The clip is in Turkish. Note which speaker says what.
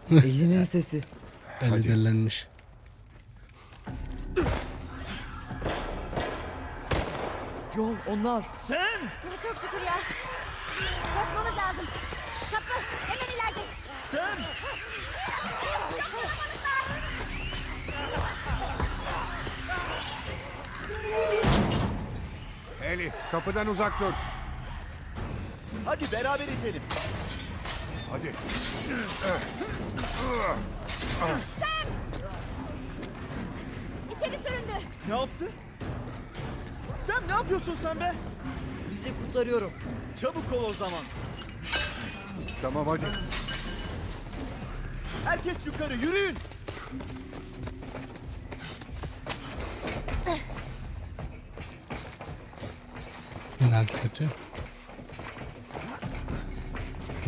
Speaker 1: Elinin sesi.
Speaker 2: Eli dellenmiş.
Speaker 1: Yol onlar.
Speaker 3: Sen!
Speaker 4: Çok şükür ya. Koşmamız lazım. Kapı hemen ileride.
Speaker 3: Sen!
Speaker 5: Eli, kapıdan uzak dur.
Speaker 3: Hadi beraber itelim.
Speaker 5: Hadi.
Speaker 4: İçeri süründü.
Speaker 3: Ne yaptı? Sen ne yapıyorsun sen be?
Speaker 1: Bizi kurtarıyorum.
Speaker 3: Çabuk ol o zaman.
Speaker 5: Tamam hadi.
Speaker 3: Herkes yukarı yürüyün.
Speaker 2: Final kötü.